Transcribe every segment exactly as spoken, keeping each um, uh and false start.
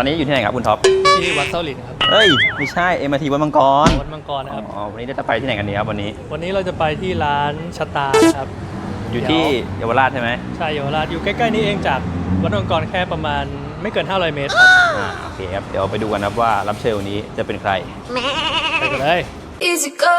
อนนี้อยู่ที่ไหนครับคุณท็อปที่วัดเส้าหลินครับเอ้ยไม่ใช่เอ็มอาร์ทีวัดมังกรวัดมังกรนะครับอ๋อวันนี้จะไปที่ไหนกันดีครับวันนี้วันนี้เราจะไปที่ร้านชะตาครับอยู่ที่เยาวราชใช่ไหมใช่เยาวราชอยู่ใกล้ๆนี้เองจากวัดมังกรแค่ประมาณไม่เกินห้าร้อยเมตรครับอ่าโอเคครับเดี๋ยวไปดูกันครับว่ารับเชิญวันนี้จะเป็นใครไปกันเลย Easy go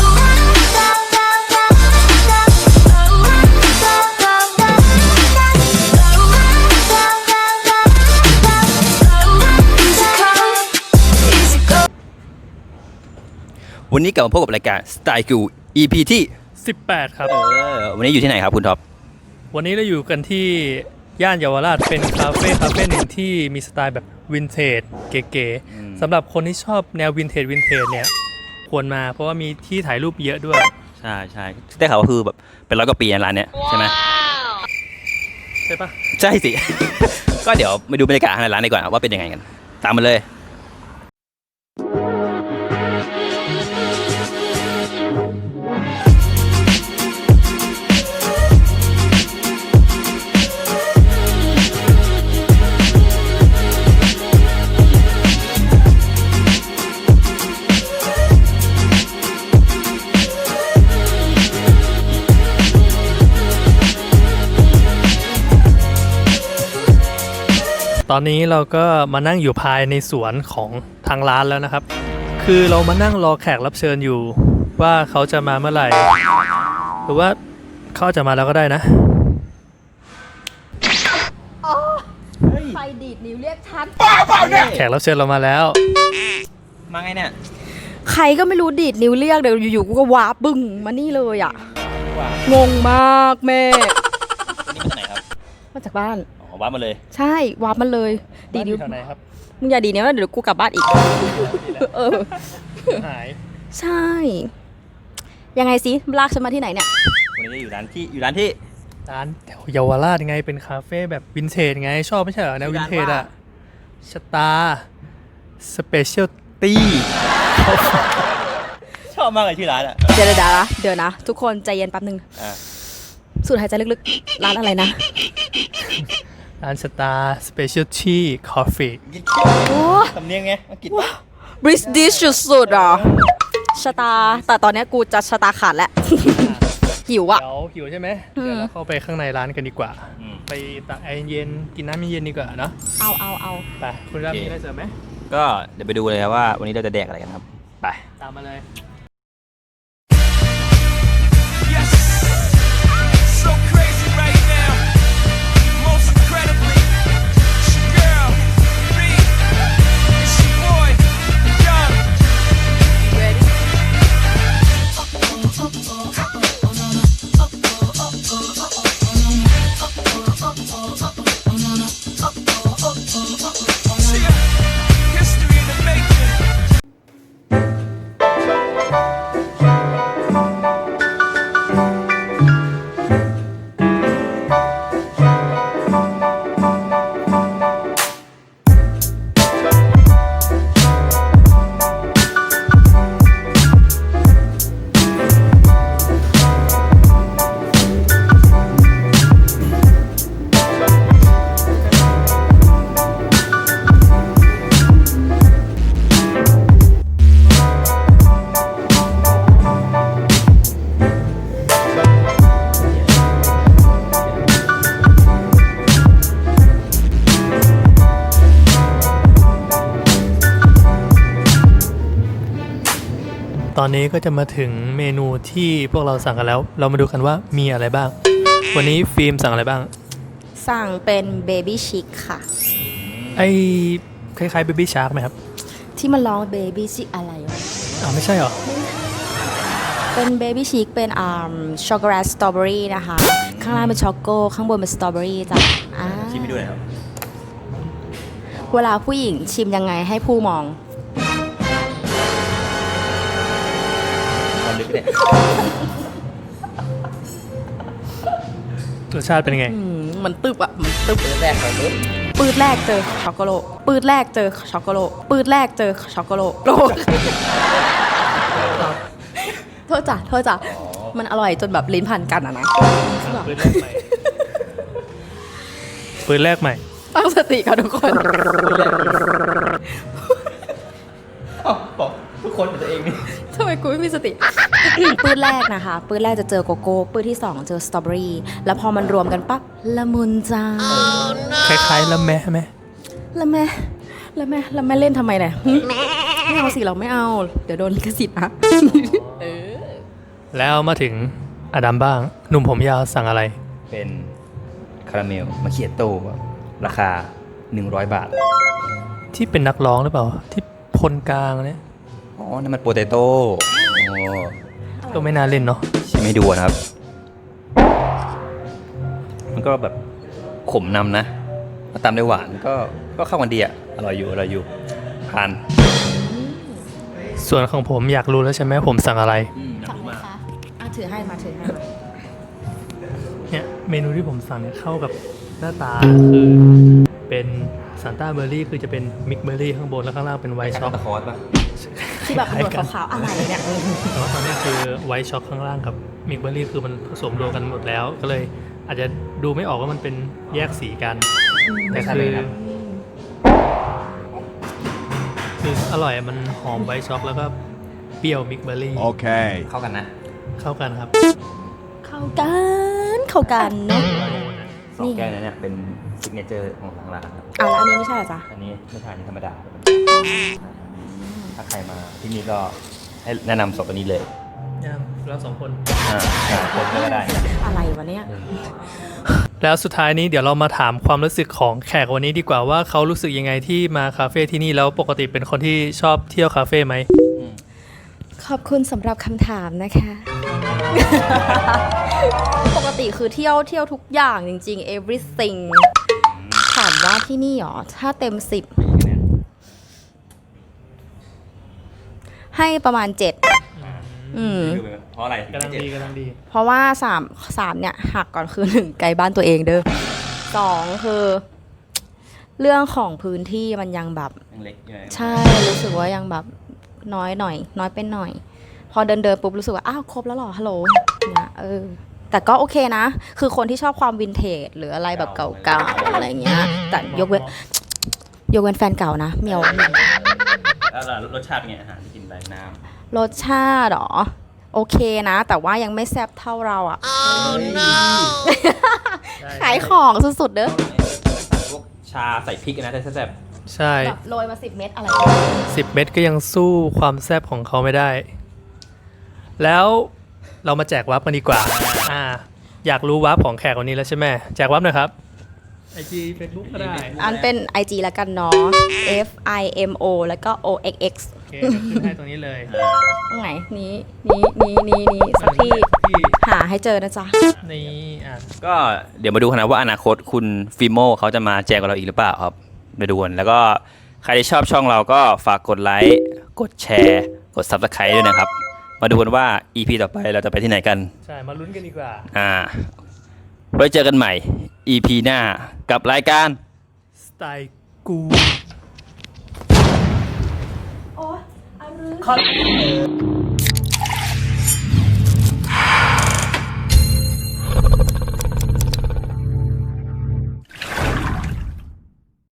วันนี้กลับมาพบกับรายการ Style Cool อี พี ที่สิบแปดครับเออวันนี้อยู่ที่ไหนครับคุณท็อปวันนี้เราอยู่กันที่ย่านเยาวราชเป็นคาเฟ่คาเฟ่หนึ่งที่มีสไตล์แบบวินเทจเก๋ๆสำหรับคนที่ชอบแนววินเทจวินเทจเนี่ยควรมาเพราะว่ามีที่ถ่ายรูปเยอะด้วยใช่ใช่ได้ข่าวว่าคือแบบเป็นร้อยกว่าปีร้านเนี้ยใช่ไหมใช่ปะใช่สิ ก็เดี๋ยวมาดูบรรยากาศในร้านดีกว่าว่าเป็นยังไงกันตามมาเลยตอนนี้เราก็มานั่งอยู่ภายในสวนของทางร้านแล้วนะครับคือเรามานั่งรอแขกรับเชิญอยู่ว่าเขาจะมาเมื่อไหร่หรือว่าเขาจะมาแล้วก็ได้นะไฟดีดนิ้วเรียกฉันแขกรับเชิญเรามาแล้วมาไงเนี่ยใครก็ไม่รู้ดีดนิ้วเรียกเดี๋ยวอยู่ๆกูก็ว้าบึ้งมานี่เลยอ่ะงงมากแม่นี่มาจากไหนครับมาจากบ้านวาร์ปมาเลยใช่วาร์ปมาเลยดีนิ้วไหนครับมึงอย่าดีนิ้วเดี๋ยวกูกลับบ้านอีกเออหายใช่ยังไงสิลากฉันมาที่ไหนเนี่ยวันนี้อยู่ร้านที่อยู่ร้านที่ร้านแถวเยาวราชไงเป็นคาเฟ่แบบวินเทจไงชอบไม่ใช่เหรอแนววินเทจอะชะตาสเปเชียลตี้ชอบมากเลยที่ร้านอะเดี๋ยวเดี๋ยวนะเดี๋ยวนะทุกคนใจเย็นแป๊บนึงสูดหายใจลึกๆร้านอะไรนะร้านสตาร์สเปเชียลตี้คอฟฟี่ทำเนียงไงอังกฤษบริสดิชสุดๆอ่ะชะตาแต่ตอนนี้กูจะชะตาขาดแล้วหิวอ่ะเดี๋ยวหิวใช่ไหมเดี๋ยวเราเข้าไปข้างในร้านกันดีกว่าไปตักไอเย็นกินน้ำเย็นดีกว่าเนาะเอาเอาเอาไปคุณรับมีอะไรเสริมไหมก็เดี๋ยวไปดูเลยว่าวันนี้เราจะแดกอะไรกันครับไปตามมาเลยตอนนี้ก็จะมาถึงเมนูที่พวกเราสั่งกันแล้วเรามาดูกันว่ามีอะไรบ้างวันนี้ฟิล์มสั่งอะไรบ้างสั่งเป็นเบบี้ชิคค่ะไอคล้ายๆเบบี้ชาร์กไหมครับที่มันร้องเบบี้ชิคอะไรวะอ๋อไม่ใช่หรอเป็นเบบี้ชิคเป็นอ่าช็อกโกแลตสตรอเบอรี่นะคะข้างล่างเป็นช็อกโกข้างบนเป็นสตรอเบอรี่จ้ะชิมไปดูหน่อยครับเวลาผู้หญิงชิมยังไงให้ผู้มองรสชาติเป็นไงมันตึบอ่ะมันตึบปืดแรกเจอปืดแรกเจอช็อกโกแลตปืดแรกเจอช็อกโกแลตปืดแรกเจอช็อกโกแลตโลกโทษจ้ะโทษจ้ะมันอร่อยจนแบบลิ้นพันกันอ่ะนะปืนแรกใหม่ปืนแรกใหม่ตั้งสติค่ะทุกคนบอกทุกคนเป็นตัวเองนี่ทำไมกูไม่มีสติ ปื้ดแรกนะคะ ปื้ดแรกจะเจอโกโก้ ปื้ดที่สองเจอสตรอเบอรี่ แล้วพอมันรวมกันปั๊บละมุนจ้าคล้ายๆละแม่ไหมแล้วแม่แล้วแม่แล้วแม่เล่นทำไมเนี่ยหึไม่เอาสิเราไม่เอา เดี๋ยวโดนลิขสิทธิ์นะ เออแล้วมาถึงอดัมบ้าง หนุ่มผมยาวสั่งอะไรเป็นคาราเมลมาเคียโต้ครับราคาหนึ่งร้อยบาทที่เป็นนักร้องหรือเปล่า ที่พลกลางเนี่ยอ๋อนั่นมันโปเตโต้โอ้ก็ไม่น่าเล่นเนาะชิมให้ดูนะครับ มันก็แบบขมนำนะมาตามด้วยหวานก็ก็เข้ากันดีอ่ะอร่อยอยู่อร่อยอยู่ทานส่วนของผมอยากรู้แล้วใช่ไหมผมสั่งอะไรสั่งไหมคะอ่ะถือให้มาถือให้มาเนี่ยเมนูที่ผมสั่งเนี่ยเข้ากับหน้าตาคือเป็นซันต้าเบอร์รี่คือจะเป็นมิกเบอร์รี่ข้างบนแล้วข้างล่างเป็นไวท์ช็อกตะคอสป่ะที่แบบหนวดขาวๆอะไรเนี่ยแต่ว่าตอนนี้คือไวท์ช็อกข้างล่างกับมิกเบอร์รี่คือมันผสมรวมกันหมดแล้ว ก็เลยอาจจะดูไม่ออกว่ามันเป็นแยกสีกัน แต่คือคืออร่อยมันหอมไวท์ช็อกแล้วก็เปรี้ยวมิกเบอร์รี่ Okay. เข้ากันนะเข้ากันครับเข้ากันเข้ากันเนาะสองแก้วนั้นเนี่ยเป็นซิกเนเจอร์ของทางร้านครับอ่ะแล้วอันนี้ไม่ใช่เหรอจ๊ะอันนี้ไม่ทานนี่ธรรมดาครับถ้าใครมาที่นี่ก็ให้แนะนำสองตัวนี้เลยยังเราสองคนอ่าอ่าคนก็ได้อะไรวะเนี่ยแล้วสุดท้ายนี้เดี๋ยวเรามาถามความรู้สึกของแขกวันนี้ดีกว่าว่าเขารู้สึกยังไงที่มาคาเฟ่ที่นี่แล้วปกติเป็นคนที่ชอบเที่ยวคาเฟ่ไหมขอบคุณสำหรับคำถามนะคะ ปกติคือเที่ยวเที่ยวทุกอย่างจริงๆ everything ถามว่าที่นี่หรอ ถ้าเต็มสิบให้ประมาณเจ็ดอืมเพราะอะไรกำลังดีกำลังดีเพราะว่าสามสามเนี่ยหักก่อนคือหนึ่งไกลบ้านตัวเองเด้อสองคือ เรื่องของพื้นที่มันยังแบบยังเล็กอยู่เลยใช่รู้สึกว่ายังแบบน้อยหน่อย น้อยเป็นหน่อย พอเดินเดินปุ๊บรู้สึกว่าอ้าวครบแล้วเหรอฮัลโหลเนี่ยเออแต่ก็โอเคนะ คือคนที่ชอบความวินเทจหรืออะไรแบบเก่าๆอะไรเงี้ยแต่ยกเว้นยกเว้นแฟนเก่านะเมียวแล้วรสชาติเป็นไงอาหารที่กินไปน้รสชาติเหรอโอเคนะ แต่ว่ายังไม่แซ่บเท่าเราอ่ะ ขายของสุดๆเด้อำพวกชาใส่พริกนะแต่แซ่บใช่แบบโรยมาสิบเม็ดอะไรสิบเม็ดก็ยังสู้ความแซ่บของเขาไม่ได้ แล้วเรามาแจกวับกันดีกว่าอ่า อยากรู้วับของแขกวันนี้แล้วใช่ไหมแจกวับหน่อยครับ ไอจี Facebook ก็ได้อันเป็น ไอ จี แล้วกันเนาะ F I M O แล้วก็ O X X โอเคเดี๋ยวขึ้นให้ตรงนี้เลยตรงไหนนี้นี้นี้นี้นี้สักที่ที่หาให้เจอนะจ๊ะนี่อ่ะๆก็เดี๋ยวมาดูกันนะว่าอนาคตคุณฟิโมเขาจะมาแจกกับเราอีกหรือเปล่าครับไปดูกันแล้วก็ใครที่ชอบช่องเราก็ฝากกดไลค์กดแชร์กด Subscribe ด้วยนะครับ มาดูกันว่า อี พี ต่อไปเราจะไปที่ไหนกันใช่ มาลุ้นกันดีกว่าอ่าไว้เจอกันใหม่ อี พี หน้ากับรายการสไตล์กูโอ้ยอันรื้อคอน